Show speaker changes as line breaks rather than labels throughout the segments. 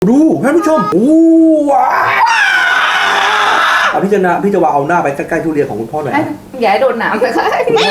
ดูท่านผู้ชมว้าวพี่จะว่าเอาหน้าไปใกล้ๆทุเรียนของคุณพ่อหน่อยนะ
อย่าให้โดนหนามเลยค่ะ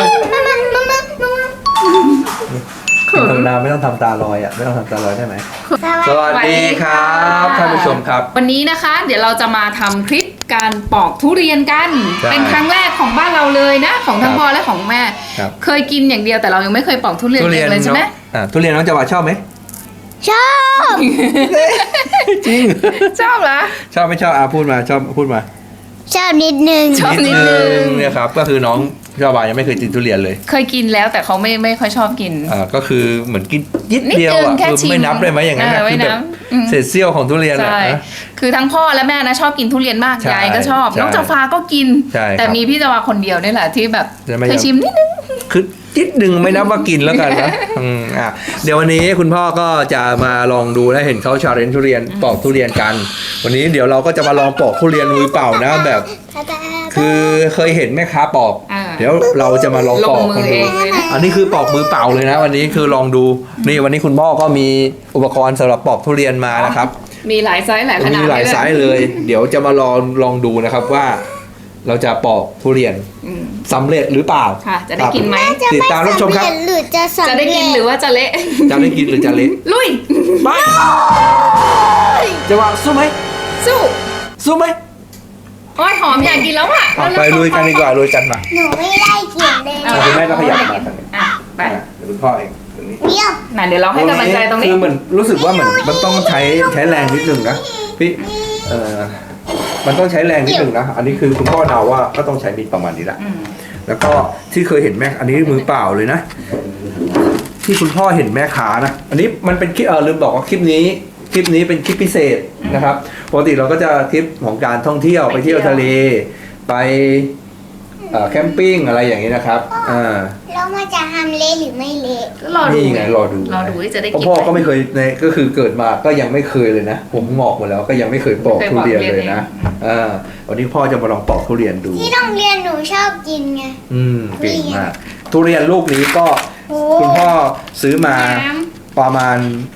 ทำนาไม่ต้องทำตาลอยอ่ะไม่ต้องทำตาลอยได้ไหมสวัสดีครับท่านผู้ชมครับ
วันนี้นะคะเดี๋ยวเราจะมาทำคลิปการปอกทุเรียนกัน
ใช่
เป็นครั้งแรกของบ้านเราเลยนะของทั้งพ่อและของแม่
ครับ
เคยกินอย่างเดียวแต่เรายังไม่เคยปอกทุเรียนเองเลยใช่ไหม
ทุเรียนน้องจะว่าชอบไหม
ชอบ
จริง
ชอบเหรอ
ชอบไม่ชอบพูดมาชอบพูดมา
ชอบนิดนึง
ชอบนิดนึง
เนี่ยครับก็คือน้องชาวบ้านยังไม่เคยกินทุเรียนเลย
เคยกินแล้วแต่เขาไม่ค่อยชอบกิน
ก็คือเหมือนกินนิด
นิด
เดียว
นึง
อ่ะ
แค่
คือ
ชิม
ไม่นับเลยไหมอย่างนั้นนะ
ไม่
คือ
นั
แบบ
บ
เศษเสี้ยวของทุเรียนอ่ะ
ใช่
นะ
คือทั้งพ่อและแม่นะชอบกินทุเรียนมาก
ใช่
ยายก็ชอบ
ใช่
น้องจาฟ้าก็กิน
ใช่ครับ
แต่มีพี่จาวาคนเดียวนี่แหละที่แบบ
จะไม่
เคยชิมนิดนึง
คือนิดหนึ่งไม่นับว่ากินแล้วกันนะเดี๋ยววันนี้คุณพ่อก็จะมาลองดูและเห็นเขาชาเลนจ์ทุเรียนปอกทุเรียนกัน วันนี้เดี๋ยวเราก็จะมาลองปอกทุเรียนมือเปล่านะแบบ คือเคยเห็นแม่ค้าปอก เดี๋ยวเราจะมาลอง
ล
ป
ง
อก
มื
กัน
อเอ
ดู
งเลยนะ
อันนี้คือปอกมือเปล่าเลยนะ วันนี้คือลองดูนี่วันนี้คุณพ่อก็มีอุปกรณ์สำหรับปอกทุเรียนมานะครับ
มีหลายไซส์หลายขนาด
มีหลายไซส์เลย เดี๋ยวจะมาลองดูนะครับว่า เราจะปอกทุเรียน
อืม
สำเร็จหรือเปล่า
ค่ะ จะได้กินไหม
ติดตามรับชมครับ
หรือจะสำ
จะ
เร็จ
ได้กินหรือว่าจะเละ
จะได้กินหรือจะเละ
ลุย
ไปจะว่าสู้ไหม
สู้
สู้ไหม
โอ้ยหอมอยากกินแล้วอ่ะ
ไปลุยกันดีกว่าลุยกันมา
หนูไม่ได้เขียนเลย
คุณแม่ก็ขยับมาทางนี้
อ่ะไป
เดี๋ยวคุณพ่อเองตรงนี้
เดี๋ยว
น่ะเดี๋ยวเราให้กำลังใจตรงนี้
คือเหมือนรู้สึกว่าเหมือนมันต้องใช้แรงนิดนึงนะพี่มันต้องใช้แรงนิดนึงนะอันนี้คือคุณพ่อเดาว่าก็ต้องใช้มีดประมาณนี้แหละ
อืม
แล้วก็ที่เคยเห็นแม่อันนี้มือเปล่าเลยนะ ที่คุณพ่อเห็นแม่ค้านะอันนี้มันเป็นคลิปลืมบอกว่าคลิปนี้เป็นคลิปพิเศษนะครับปกติเราก็จะคลิปของการท่องเที่ยวไปเที่ยวทะเล ไปแคมปิ้งอะไรอย่างนี้นะครับ
แล้วมันจะทำเละหรือไม่เละ
ก็รอดู
นี่ไงรอดู
ที่จะได้
เพ
กิน
ราะพ่อก็ไม่เคยก็คือเกิดมาก็ยังไม่เคยเลยนะผมงอกหมดแล้วก็ยังไม่เคยปอกทุเรียนเลยนะวันนี้พ่อจะมาลองปอกทุเรียนดู
ที่โรงเรียนหนูชอบกินไง
เก่งมากทุเรียนลูกนี้ก็
โอ้
คุณพ่อซื้อมาประมาณ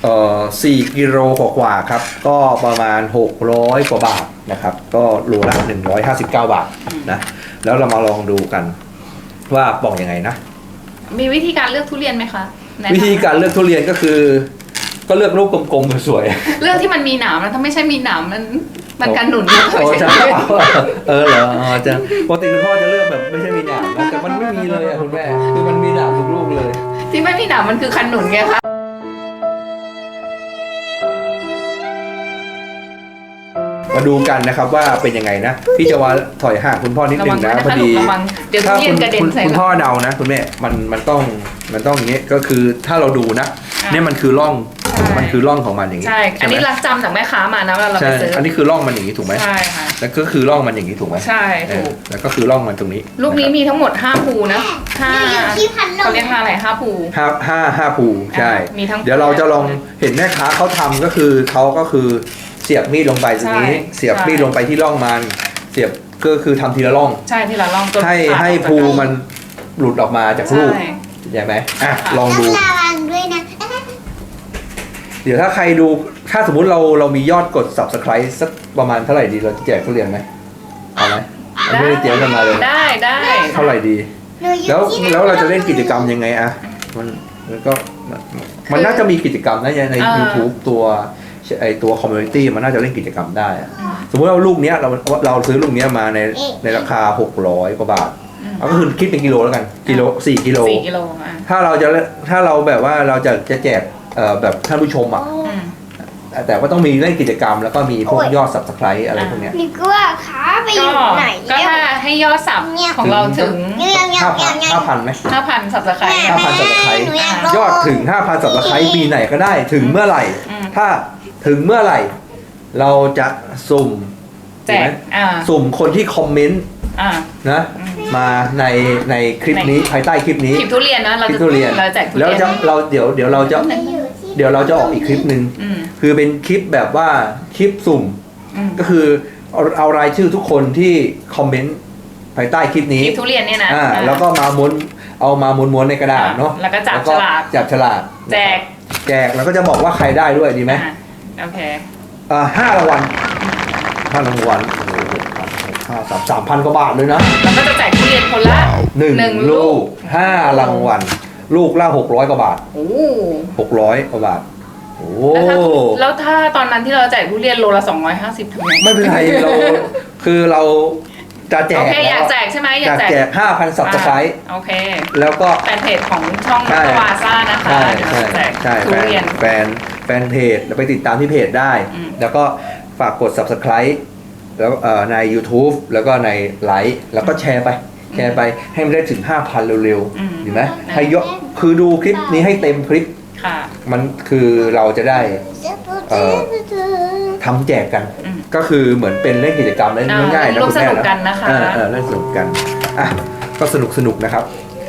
4 กิโลกว่าๆครับก็ประมาณ600 กว่าบาทนะครับก็โลละ159 บาทนะแล้วเรามาลองดูกันว่าปอกยังไงนะ
มีวิธีการเลือกทุเรียนไหมคะแนะนำ
วิธีการเลือกทุเรียนก็คือ ก็เลือกลูกกลมๆสวย
เลือกที่มันมีหนามนะถ้าไม่ใช่มีหนามมันกันหนุน
ๆโอ้จะเหรอจะปกติคุณพ่อจะเลือกแบบไม่ใช่มีหนามนะแต่มันไม่มีเลยอะคุณแม่คือมันมีหนามทุกลูกเลย
ที่ไม่มีหนามมันคือคันหนุนไงคะ
มาดูกันนะครับว่าเป็นยังไงนะพี่จะว่าถอยห่างคุณพ่อนิด
ระ
นึ
วัง
ง
ด้วย
นะ
นะ
พอ
คะ
ดี
ลูกระวังเดี๋ยวทุ
ถ้า
เรียนกระเด็นใส่
คุณ
เรา
พ่อเดานะคุณแม่มันต้องอย่างนี้ก็คือถ้าเราดูนะ
อ่ะ
เนี่ยมันคือร่อง
ใช่
มันคือร่องของมันอย่างนี้
ใช่ อันนี้
ไหม
รักจำจากแม่ค้ามานะเวลาเรา
ใช่
ไปซื้อ
อันนี้คือร่องมันอย่างนี้ถูกไหม
ใช่ค่ะ
แล้วก็คือร่องมันอย่างนี้ถูกไหม
ใช่ถูก
แล้วก็คือร่องมันตรงนี้
ลูกนี้มีทั้งหมด5ภูนะ
อยู่ที่พัดล
เขา
ม
เรียก5อะไร5ภู
ห้าภูใช่
มีทั้ง
เดี๋ยวเราจะลองเห็นแม่ค้าเขาทำก็คือเขาก็คือเสียบมีดลงไปตรงนี้
ใช่
เสียบมีดลงไปที่ร่องมันเสียบก็คือทำทีละร่อง
ใช่ที่เราลองจน
ให้
ขาด
ให้
ออกจาก
ภู
กัน
มันหลุดออกมาจาก
ใช่
ลูกใช่ไหมลองดู
ต้องระวังด้วยนะ
เดี๋ยวถ้าใครดูถ้าสมมุติเรามียอดกด subscribe สักประมาณเท่าไหร่ดีเราจะแจกทุเรียนไหมเอาไหมไม่ได้เตรียมกันมาเลย
ได้
เท่าไหร่ดี
หนูอยู่
แล้ว
ที่
แล้วเราจะเล่นกิจกรรมยังไงอะมันก็มันน่าจะมีกิจกรรมนะใน YouTube ตัวคอมมูนิตี้มันน่าจะเล่นกิจกรรมได้อะสมมติว่าลูกเนี้ยเราซื้อลูกเนี้ยมาในราคา600 กว่าบาทเอาก็คือคิดเป็นกิโลแล้วกันกิโล4 กิโล
4 กิโลอ่ะ
ถ้าเราแบบว่าเราจะแจกแบบท่านผู้ชมอ่ะ
อืม
แต่ว่าต้องมีเล่นกิจกรรมแล้วก็มีพวกยอด subscribe อะไรพวกเนี้ย
นี่ก็ว่าขาไปอยู่ไหน
ก็ถ้าให้ยอดสับของเราถึง
5,000ไหม
5,000 สับสไครต์
5,000 subscribe
หนูอยากลง
ยอดถึง 5,000 subscribe ปีไหนก็ได้ถึงเมื่อไหร่
อืม
ถ้าถึงเมื่อไหร่ เราจะสุ่ม
แจก
สุ่มคนที่คอมเมนต์ นะมาในคลิปนี้ภายใต้คลิปนี้
คลิปทุเรียนนะเรา
คลิป
จะ
ทุเรียน
เราแจกทุเรี
แล้ว
ยน
จะเดี๋ยวเราจะออกอีกคลิปหนึ่ง
อืม
คือเป็นคลิปแบบว่าคลิปสุ่ม
อืม
ก็คือเอารายชื่อทุกคนที่คอมเมนต์ภายใต้คลิปนี้
คลิปทุเรียนเนี่ยนะ
แล้วก็มาม้วนในกระดาษเนาะ
แล้วก็จับฉลาก
จับฉลาก
แจก
แล้วก็จะบอกว่าใครได้ด้วยดีไหม
โอเค
5 รางวัล5 รางวัลโอ้โห3,000 กว่าบาทเลยนะ
แล้วก็จะแจกทุเรียนคนละ
1 ลูก 5 รางวัลลูกละ600 กว่าบาท
โอ้
600 กว่าบาทโอ้
แล้วถ้าตอนนั้นที่เราแจกทุเรียนโลละ250ทำไง
ไม่เป็นไรเราคือเราจะแจ
โอก เคอยากแจกใช่ไหมอยาก
แจก 5,000 ซับสไครต์
โอเค
แล้วก็
แฟนเพจของช่อง
ใช่
วาซ่านะคะ
ใช่
เดี๋ยว
ใช่
เราแจก
ใช่
ทุเรียน
แฟนเพจแล้วไปติดตามที่เพจได้
อืม
แล้วก็ฝากกด subscribe แล้วใน YouTube แล้วก็ในไลค์แล้วก็แชร์ไปให้มันได้ถึง 5,000 เร็วๆเห็นไหมให้ยกคือดูคลิปนี้ให้เต็มคลิป
ค่ะ
มันคือเราจะได้ ทำแจกกัน
อืม
ก็คือเหมือนเป็นเล่นกิจกรรมเล่นง่ายๆนะ
ร่วม
คุณแม่
สนุกกันนะคะ
เล่นสนุกกันอ่ะก็สนุกนะครับ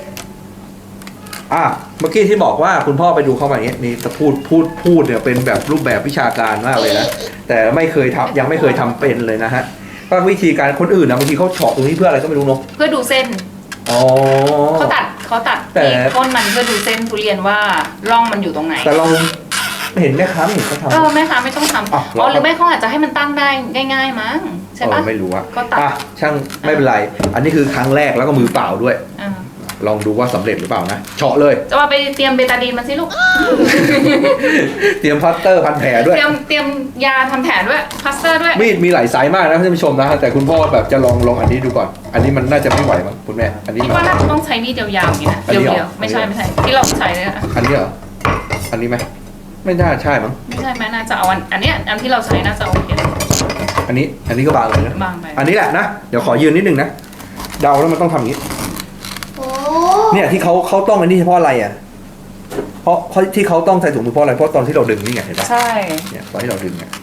เมื่อกี้ที่บอกว่าคุณพ่อไปดูเข้ามาอย่างเงี้ยนี่จะพูดเนี่ยเป็นแบบรูปแบบวิชาการมากเลยนะแต่ไม่เคยทำยังไม่เคยทำเป็นเลยนะฮะก็วิธีการคนอื่นนะบางทีเขาเฉาะตรงนี้เพื่ออะไรก็ไม่รู้เนาะ
เพื่อดูเส้น
อ๋อ
เขาตัด
แต่
ที่ต้นมันเพื่อดูเส้นทุเรียนว่าร่องมันอยู่ตรงไหน
แต่เราเห็นแม่ค้าเห็นเขาทำ
แม่ค้าไม่ต้องทำ
อ่ะ
หรือไม่เขาอาจจะให้มันตั้งได้ง่ายๆมั้งใช่ปะ
ไม่รู้อะ
ก็ตัด
ช่างไม่เป็นไร อันนี้คือครั้งแรกแล้วก็มือเปล่าด้วย
อ่า
ลองดูว่าสำเร็จหรือเปล่านะเฉาะเลย
จะมาไปเตรียมเบตาดีนมาสิลูก
เตรียมพลาสเตอร์พันแผลด้วย
เตรียมยาทำแผลด้วยพลาสเตอร์ด้วย
มีดมีหลายไซส์มากนะท่านผู้ชมนะแต่คุณพ่อแบบจะลองอันนี้ดูก่อน อันนี้มันน่าจะไม่ไหวมั้งคุณแม่อันนี้
คิด
มัน
ว่าน่าจะต้องใช้มีดยาวๆอย่างนี้นะ
อันนี้เหรอ
เดียวๆไม่ใช่ที่เราใช้เลยนะ
อันนี้เหรออันนี้ไหมไม่น่าใช่มั้ง
ไม่ใช่ไหมน่าจะเอาอันเนี้ยอันที่เราใช้น่าจะโอเค
อันนี้ก็บางเลยนะ
บางไป
อันนี้แหละนะเดี๋ยวขอยืนนิดนึงนะเดาแล้วมันต้องทำอย่างนี้
โอ้
เนี่ยที่เขาต้องอันนี้เฉพาะอะไรอ่ะเพราะที่เขาต้องใส่ถุงมือเพราะอะไรเพราะตอนที่เราดึงนี่ไงเห็นปะ
ใช่
เนี่ยตอนที่เราดึงเนี่ย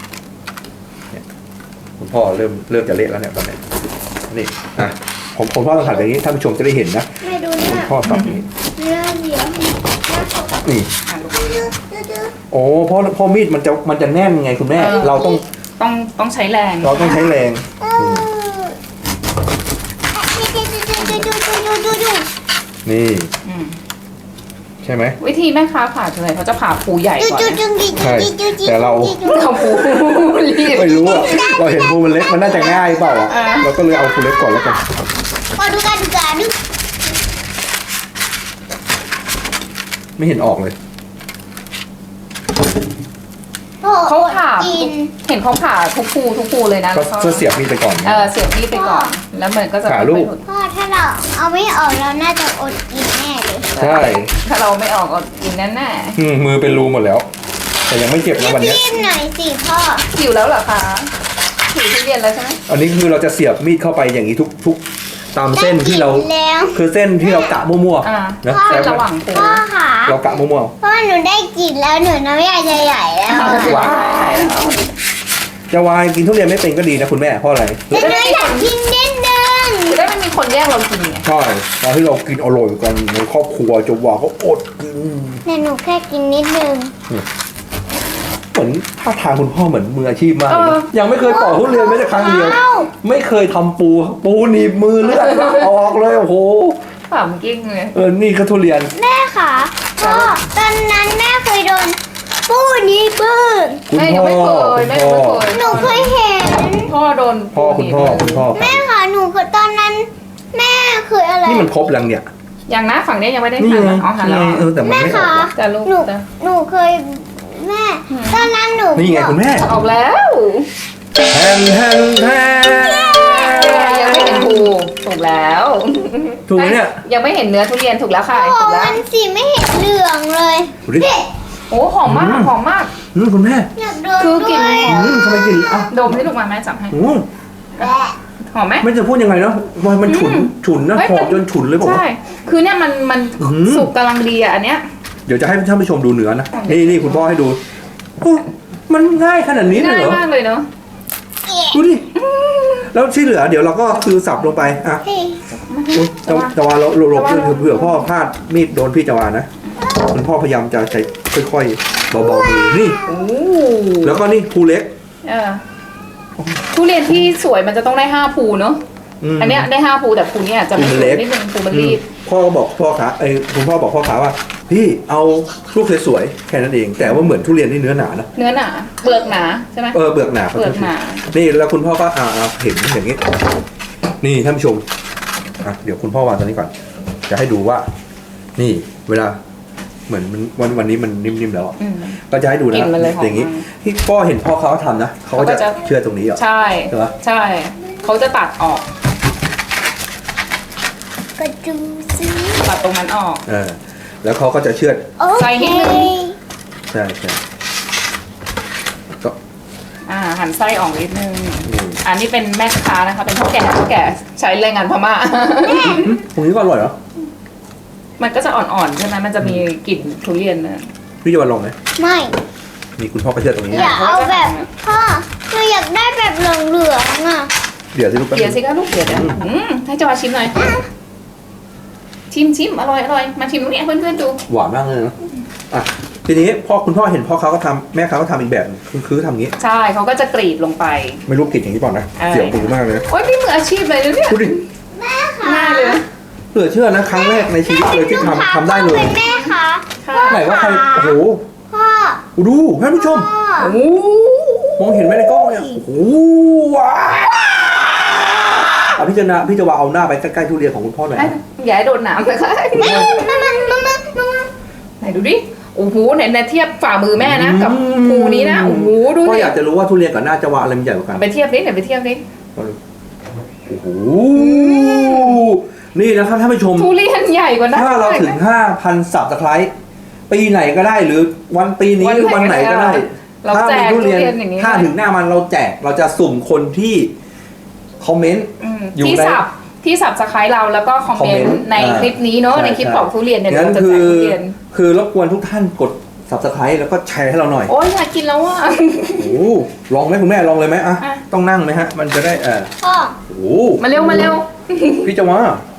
คุณพ่อเริ่มจะเละแล้วเนี่ยตอนนี้นี่ผมพ่อต้องหันไปอย่างนี้ท่านผู้ชมจะได้เห็นนะ
ไม่ดูเนี่
คุ
ย
ณพ่อทำอย่างนี้
เนื้อเดี๋ยว
นี่
อ่ะลูก
โอ้เพราะมีดมันจะแน่นไงคุณแม่ เราต้อง
ใช้แรง
เราต้องใช้แรง นี่
อืม
ใช่ไหม
วิธีแม่ค้าผ่าคืออะไรเขาจะผ่าภูใหญ่ก่อนนะ เขาภูรีบ
ไม่รู้อ่ะเราเห็นภูมันเล็กมันน่าจะง่ายเปล่าอ่ะเราก็เลยเอาภูเล็กก่อนแล้วกัน
มาดูกันดู
ไม่เห็นออกเลย
เขาผ่า
กิน
เห็นเขาผ่าทุกภูเลยนะ
ก็เสียบมีดไปก่อน
เสียบมีดไปก่อน แล้วมันก็จะ
ผ่าลูก
พ่อถ้าเราเอาไม่ออกเราน่าจะอดกินแน่เลย
ใช่
ถ้าเราไม่ออกก็กินแน่
มือเป็นรูหมดแล้ว แต่ยังไม่เจ็บนะวันเนี้ย
รีบหน่อยสิพ่อ
ๆหิวแล้วเหรอคะหิวทุเรียนแล้วใช่ไหม
อันนี้คือเราจะเสียบมีดเข้าไปอย่างนี้ทุกตามเส้นที่เรา
ได้กินแล้ว
คือเส้นที่เรากะมั่ว
อ่า
ๆนะ
เส้นระหว่างภู
พ่อค่ะ
เรากะมั่ว
พ่อหนูได้กินแล้วหนูน้ำยาใหญ่ๆแล้ว
ว้าว
ๆจะวายกินทุเรียนไม่เป็นก็ดีนะคุณแม่เพราะอะไร
แต่หนูอยากกินนิดนึง
จะได้ไม่มีคนแย่งเรากินไง
ใช่ตอนที่เรากินอร่อยกันในครอบครัวจะว่าเขาอดกิน
แต่หนูแค่กินนิดนึง
เหมือนท่าทางคุณพ่อเหมือนมืออาชีพมากเลยนะยังไม่เคยปอกทุเรียนแม้แต่ครั้งเดียว ไม่เคยทำปูหนีบมือเลือดออกเลยโอ้โห
ขำกิ้งเลย
นี่ก็ทุเรียน
แม่ค่ะพ่อตอนนั้นแม่เคยโดนปูนี้ปื้ง
คุณ
แม่ยั
พ่
ง
อ
ไม่เคย
คุณ
แม่
พ่
ยัง
อ
ไม่เคย
หนูเคยเห็น
พ่อโดน
คุณพ่อ
แม่ค่ะหนูเคยตอนนั้น แม่เคยอะไร
นี่มันครบแล้วเนี่ย
อย่างนะฝั่งนี้ยังไม่ได้
นี่
ทาน
ไง
นะอ๋อหันแล้ว
แต่มัน
แม่
ไม่ออ
ค่ะ
กว่ะ
จะลูก
หนู
จะ
หนูเคยแม่ตอนนั้นหนู
นี่ไงคุณแม่
ออกแล้ว
แทน
ยังไม่เห็นภูถูกแล้ว
ถูกไหมเนี่ย
ยังไม่เห็นเนื้อทุเรียนถูกแล้วค่ะ
พ่อ
ถูกแล้ว
มันสีไม่เห็นเหลืองเลย
ดูดิ
พี่
โอ้หอมมากหอมมาก
คุณแม่
อยากโดน
คือกลิ่น
ด้วย
ทำไมกินอ่ะ
ดมให้ลูกมาแม่จับให้
อืม
หอมไหม
ไม่จะพูดยังไงเนาะมันฉุนนะ
เฮ้ย
หอมจนฉุนเลยบอกว่า
ใช่คือเนี่ยมัน
อื้อหือ
สุกกำลังดีอ่ะอันเนี้ย
เดี๋ยวจะให้ท่านผู้ชมดูเนื้อนะนี่คุณพ่อให้ดูโอ้มันง่ายขนาดนี้เลย
ง่าย
เหรอ
มากเลยเนาะ
ดูดิแล้วที่เหลือเดี๋ยวเราก็คือสับลงไปอ่ะ
พี่
อุ๊ยจาวาเราหลบเผื่อพ่อพลาดมีดโดนพี่จาวานะคุณพ่อพยายามจะใช้ค่อยๆเบาๆมือนี่
โอ้
แล้วก็นี่ภูเล็ก
ทุเรียนที่สวยมันจะต้องได้5ภูเนาะอันเนี้ยได้5ภูแต่ภูเนี้ยจะไม่
ภู
สู
มันเล็
ง
ก
นิดนึงภูมันรีบ
พ่อก็บอกพ่อขาคุณพ่อบอกพ่อขาว่าพี่เอาลูกสวยๆแค่นั้นเอง แต่ว่าเหมือนทุเรียนที่เนื้อหนานะ
เนื้อหนาเปลือกหนาใช่ไหม
เปลือกหนา
เปลือกหนา
นี่แล้วคุณพ่อก็เห็นอย่างนี้ นี่ท่านผู้ชมเดี๋ยวคุณพ่อวางตัวนี้ก่อน จะให้ดูว่า นี่เวลาเหมือนวันนี้มันนิ่มๆแล้วอะ
อืม
ก็จะให้ดูนะ
กลิ่นมันเลยหอม
อย่างนี้ที่พ่อเห็นพ่อเขาทำนะเขาก็จะ
เขาก็จะ
เชื่อตรงนี้เหรอ
ใช่
ใช่ปะ
ใช่เขาจะตัดออก
ก็ดูสิ
ตัดตรงนั้นออก
แล้วเขาก็จะเชื่อด
โอ
ใส่นิ
เค
ดนึง
ใช่ก็
หั่นไส้ออกนิดนึง
นี่
อันนี้เป็นแม่ค้านะคะเป็นพ่อแก่ใช้แรงงานพม่า
ตรงนี้ก็อร่อยเหรอ
มันก็จะอ่อนๆใช่ไหมมันจะมีกลิ่นทุเรียนนะ
พี่จะมาลองไหม
ไม่
มีคุณพ่อก็เชื่อดตรงนี้
อย่าเอาแบบพ่อหนูอยากได้แบบเหลืองๆอ่ะ
เดี๋ยวสิลูกแป๊บ
เดี๋ยว
นึง
สิคะลูกเดี๋ยวให้จอชิมหน่อยชิมอร่อยมาชิมตรงนี้ให้เพื่อนๆดู
หวานมากเลยนะทีนี้คุณพ่อเห็นพ่อเขาก็ทำแม่เขาก็ทำอีกแบบคือทำอย่างนี้
ใช่เขาก็จะกรีดลงไป
ไม่รู้กลิ่นอย่างนี้เปล่านะ
อะไร
เสียวหูมากเลยนะ
โอ๊ยพี่มืออาชีพเลยนะเนี่ย
ดูดิ
ง่ายเลยนะ
เหลือเชื่อนะครั้งแรกในชีวิตเลยที่ทำได้เลย
เป็นแม่คะ
ค่ะ
ไหนว่าใครโอ้โห
พ่อ
ดูท่านผู้ชม
พ่อ
โอ้โห
มองเห็นไหมในกล้องเนี่ยโอ้โหว้าวพี่จะวางเอาหน้าไปใกล้ๆทุเรียนของคุณพ่อหน่อยนะ
อย่าให้โดนหนามเลยค่ะ
มา
ไหนดูดิโอ้โหไหนเทียบฝ่ามือแม่นะกับภูนี้นะโอ้โหดู
พ่อ
ดิ
อยากจะรู้ว่าทุเรียนกับหน้าจะวางอะไรมันใหญ่กว่ากัน
ไปเทียบนิดไหนไปเทียบนิด
โอ้โหนี่นะครับท่านผู้ชม
ทุเรียนใหญ่กว่านั้น
ถ้าเราถึง 5,000 Subscribe ปีไหนก็ได้หรือปีนี้หรือวันไหนก็ได้
เรา
ถ้า
แจ
มี
ก
ทุ
ทุ
เรียน
เรียนอย่างนี้
ถ้าถึงหน้ามันเราแจกเราจะสุ่มคนที่คอมเมนต์ อยู่
ที่
ใน
สับสไครต์เราแล้วก็คอมเมน
คอมเมนต์
ต์ในคลิปนี้เนาะ
ใช่
ในคลิป
ใช่
ปอกทุเรียนเนี่ย
งั้น
เราจะแจกทุเรียน
คือรบกวนทุกท่านกด Subscribe แล้วก็แชร์ให้เราหน่อย
โอ้ยอยากกินแล้วอ่ะ
โอ้โหลองไหมคุณแม่ลองเลยไหมอ่ะ
อ่ะ
ต้องนั่งไหมฮะ มันจะได้
พ่อ
โอ้โห
มาเร็ว
พี่จะว่า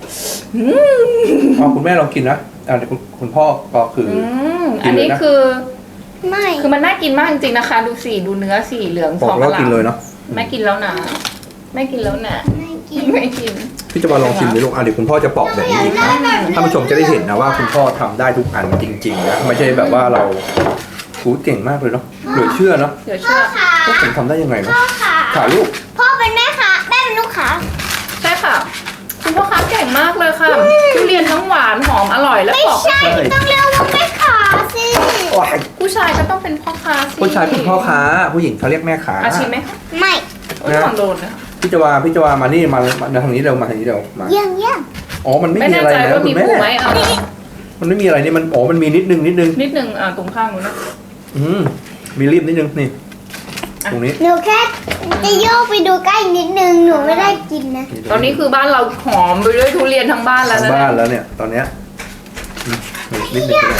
คุณแม่ลองกินนะเดี๋ยวคุณพ่อก็คืออ
อันนี้
กินเลยนะ
คือ
ไม่
มันน่ากินมากจริงๆนะคะ ดูสีดูเนื้อสีเหลือง
บ
ท
อ
อก ง
แล้ว
อลา
กิน
ม
เลยเนาะ
ไม่กินแล้วนะไม่กินแล้วนะ
ไม่กิน
ไม่กิน
พี่จะมาลองชิมดิลูกเดี๋ยวคุณพ่อจะปอกแบบนี้อีกนะท่านผู้ชมจะได้เห็นนะว่าคุณพ่อทำได้ทุกอันจริงๆนะไม่ใช่แบบว่าเราเก่งมากเลยเนาะเหลือเชื่อเนาะ
เดี๋ยว
พ่อ
เชื่อ
ขา
พวกผมทำได้ยังไงเนาะ
พ่อขา
ขาลูก
พ่อเป็นแม่ค้าแม่เป็นลูกค้า
ใช่ค่ะ คุณพ่อค้าเก่งมากเลยค่ะทุเรียนทั้งหวานหอมอร่อยและ
ไม่
ปอก
ใช่ต้องเรียกว่าแม่ค้าสิ
ว้าย
ผู้ชายก็ต้องเป็นพ่อค้าสิ
ผู้ชายเป็นพ่อค้าผู้หญิงเขาเรียกแม่ค้า
อาชีพไหมคะ
ไม่
โอ้ยลองโดนนะ
พี่จะว่ามานี่มาทางนี้เร็วมาทางนี้เร็วมา
เยี่ยม
อ๋อมันไม่
ไม่
มี
แน่
อะไร
ใจ
นะ
ว่า
คุ
มี
ณแม่
ปูไหมเอา
มันไม่มีอะไรนี่มันมันมีนิดนึง
นิดนึงตรงข้างนู้นนะ
มีรีบนิดนึงนี่ตรงนี้
หนูแค่จะโยกไปดูใกล้นิดนึงหนูไม่ได้กินนะ
ตอนนี้คือบ้านเราหอมไปด้วยทุเรียนทั้งบ้านแล้ว
ทาง
นะ
บ้านแล้วเนี่ยตอนเนี้ยนิดนึงก็ได้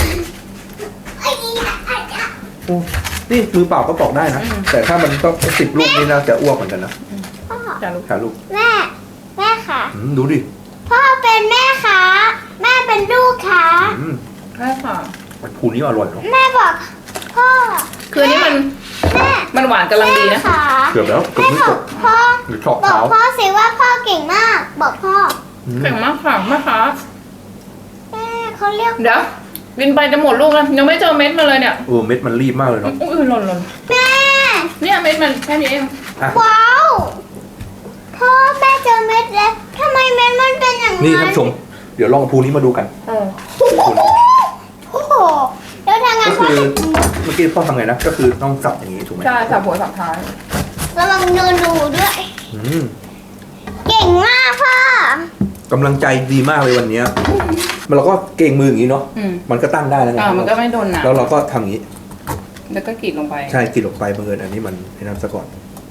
โอ้นี่มือเปล่าก็ปอกได้นะแต่ถ้ามันต้อง10 ลูกนี่น่าจะอ้วกเหมือนกันนะ
พ่อ
จ้าลูก
ขาลูก
แม่ค่ะ
ดูดิ
พ่อเป็นแม่ค้าแม่เป็นลูกค้า
ใช่ค่ะ
มันคูนี้อร่อยเนาะ
แม่บอกพ่อ
คืออันนี้มัน
แม่
มันหวานกำลังดีนะ
แม่ค่ะ
เกือบแล้วเกือบ
แม่
ไม่
บ
จ
อก
บ
พ่อ
หรือเฉาะ
บอก
เท้า
พ่อสิว่าพ่อเก่งมาก บอกพ่อ
เก่งมากค่ะแม่ค้า
แม่เขาเรียก
เดี๋ยวบินไปจะหมดลูกแล้วยังไม่เจอเม็ดมาเลยเนี่ย
เม็ดมันรีบมากเลยเนาะ
อุ้ยหล่น
แม่
เนี่ยเม็ดมันแค่นี้เอง
ว้าวพ่อแม่เจอเม็ดแล้วทำไมเม็ดมันเป็นอย่างนั้น
นี่ท่านผู้ชมเดี๋ยวลองภูนี้มาดูกัน
โอ้โหแล้วทางงาน
ก็
พ่อ
คือ
จะ
เมื่อกี้พ่อทำไงนะก็คือต้องสับอย่างนี้ถูกไหม
ใช่สับหัวสับท้าย
ระวังโดนดูด้วย เก่งมากพ่อก
ำลังใจดีมากเลยวันเนี้ยเราก็เก่งมืออย่างนี้เนาะมันก็ตั้งได้แล้วไง
มันก็ไม่โดนหนัก
แล้วเราก็ทำอย่างนี้
แล้วก็กรีดลงไป
ใช่กินลงไปบังเอิญอันนี้มันให้น้ำซะก่อน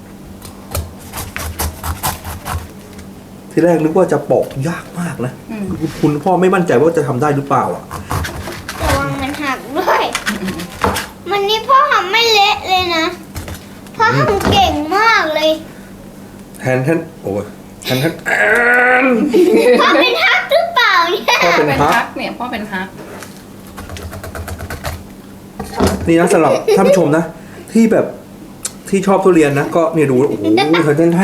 ที่แรกนึกว่าจะปอกยากมากนะคุณพ่อไม่มั่นใจว่าจะทำได้หรือเปล่าอ่ะ
ระวังมันหักด้วย มันนี่พ่อทำไม่เละเลยนะพ่อทำเก่งมากเลย
แทนโอ้ยแทน
พ่อเป็นฮักหรือเปล่าเนี่ย
พ่อเป็นฮัก
เนี่ยพ่อเป็นฮัก
นี่นะสำหรับท่านผู้ชมนะที่แบบทที่ชอบทุเรียนนะก็เนี่ยดูโอ้โหแทน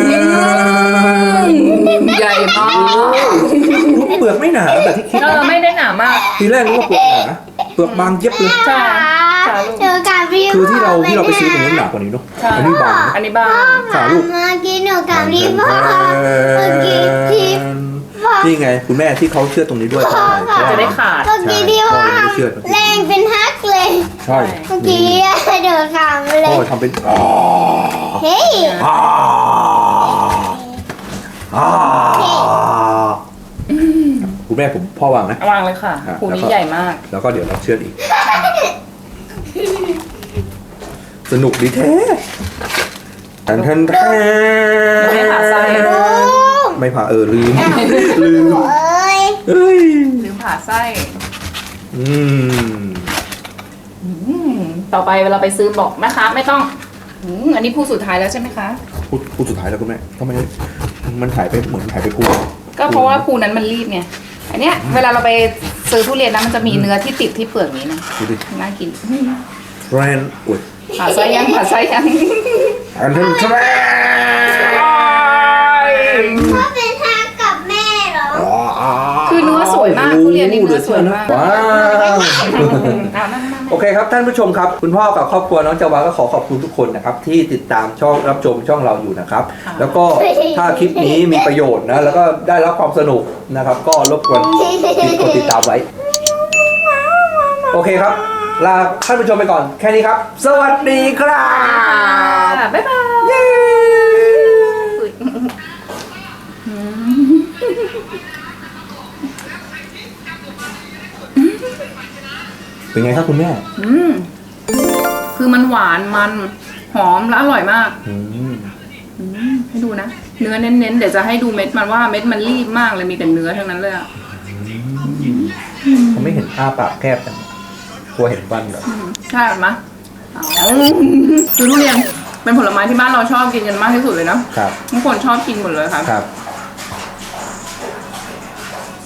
ใหญ่มาก
รูเปลือกไม่หนาแบบที่คิด
เราไม่ได้หนามาก
ทีแรกนึกว่าเปลือกหนาเปลือกบางเย็บเลย
ใช่
เจอกับพี่
คือที่เราไปซื้อตรงนู้นหนากว่านี้เนาะ
ใช่
อันนี้บางนะ
อันนี้บ้าง
ค่ะลูก
มากินหนูกับพี่พ่อเมื่อกี้พี่พ่อ
นี่ไงคุณแม่ที่เขาเชื่อตรงนี้ด้วยเพราะอะไรเพราะว่า
จะได้ขาด
เมื่อกี้พี่พ่อ
ใช่พ่อยังไม่เชื่อ
แรงเป็นฮักเลย
ใช่
เมื่อกี้เดินขามเล
พ่อย ทำเป็น
เฮ้ย
อ่าอ่าคุณแม่ผมพ่อวางนะ
วางเลยค่ะ
อ่ะ
ภู
แล้ว
นี้
ก็
ใหญ่มาก
แล้วก็เดี๋ยวเราเชื่อดอีก สนุกดีแท้แทน
ไม่ผ่าไส้
ไม่ผ่าลืม ลืม
เอ้ย
เอ้ย
ลืมผ่าไส้
อืม
ต่อไปเวลาไปซื้อบอกนะคะไม่ต้องอันนี้ภูสุดท้ายแล้วใช่ไหมคะ
พูดสุดท้ายแล้วคุณแม่ทำไมมันหายไปเหมือนหายไปพูด
ก็เพราะว่าภูนั้นมันรีบไง อันเนี้ยเวลาเราไปซื้อทุเรียนนะมันจะมีเนื้อที่ติดที่เปลือกนี้นะ
ดูดิ
น่ากิน
แทรนอุด
ผ่าไส้ยังผ่าไส้ยัง
อันนั้นแทรน
พ่อเป็นฮักกับแม่เหรอ
คือเนื้อสวยมากทุเรียนนี่เนื้อสวยมาก
ว้าว
เอานั่ง
โอเคครับท่านผู้ชมครับคุณพ่อกับครอบครัวน้องจาวาก็ขอขอบคุณทุกคนนะครับที่ติดตามช่องรับชมช่องเราอยู่นะครับ แล้วก็ถ้าคลิปนี้มีประโยชน์นะแล้วก็ได้รับความสนุกนะครับ ก็รบกวนกดติดตามไว้ โอเคครับ ลาท่านผู้ชมไปก่อนแค่นี้ครับ สวัสดีครับ
บ๊ายบาย
เย้ เป็นไงครับคุณแม่
คือมันหวานมันหอมและอร่อยมาก
อืม
ให้ดูนะ เนื้อเน้นๆเดี๋ยวจะให้ดูเม็ดมันว่าเม็ดมันรีบมากเลยมีแต่เนื้อทั้งนั้นเลยอะ
เขาไม่เห็นอ้าปากแคบจังกลัวเห็นฟันเหรอ
ใช่ไหมคือทุเรียนเป็นผลไม้ที่บ้านเราชอบกินกันมากที่สุดเลยเนาะ
ครับ
ทุกคนชอบกินหมดเลยค่ะ
ครับ